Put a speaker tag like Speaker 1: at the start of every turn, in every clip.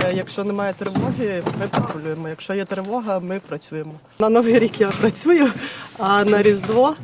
Speaker 1: Якщо немає тривоги, ми патрулюємо. Якщо є тривога, ми працюємо. На Новий рік я працюю, а на Різдво,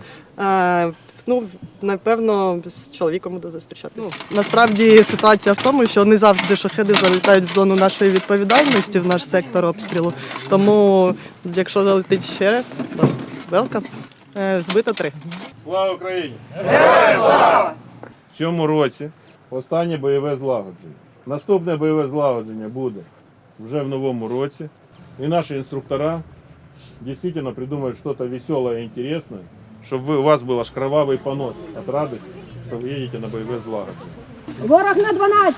Speaker 1: напевно, з чоловіком буду зустрічати. Насправді ситуація в тому, що не завжди шахеди залітають в зону нашої відповідальності, в наш сектор обстрілу. Тому, якщо залетить ще, велкам. Збито 3.
Speaker 2: Слава Україні! Героям слава! В цьому році останнє бойове злагодження. Наступне бойове злагодження буде вже в новому році. І наші інструктора дійсно придумають щось веселе і інтересне, щоб у вас був аж кровавий понос від радості, що ви їдете на бойове злагодження.
Speaker 3: Ворог на 12.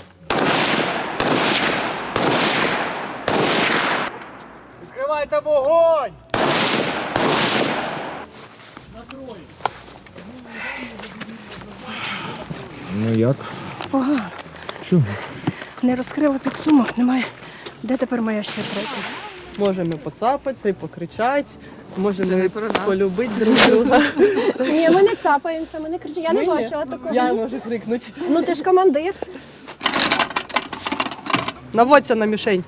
Speaker 4: Відкривайте вогонь!
Speaker 5: Ну як?
Speaker 3: Погано.
Speaker 5: Чому?
Speaker 3: Не розкрила підсумок, немає. Де тепер моя ще третя?
Speaker 1: Можемо поцапатися і покричати, можемо полюбити друг друга.
Speaker 3: Ні, ми не цапаємося, ми не кричимо. Я не бачила такого.
Speaker 1: Я можу крикнути.
Speaker 3: Ну ти ж командир.
Speaker 1: Наводься на мішень.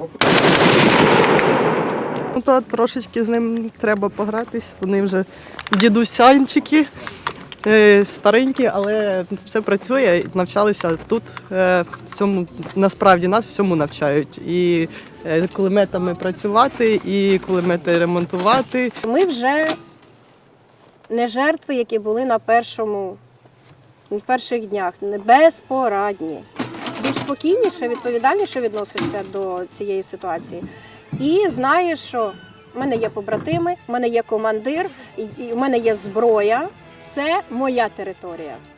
Speaker 1: То трошечки з ним треба погратись. Вони вже дідусянчики, старенькі, але все працює. Навчалися тут. В цьому, насправді нас всьому навчають. І кулеметами працювати, і кулемети ремонтувати.
Speaker 3: Ми вже не жертви, які були в перших днях, не безпорадні. Більш спокійніше, відповідальніше відносишся до цієї ситуації. І знаєш, що в мене є побратими, в мене є командир, в мене є зброя. Це моя територія.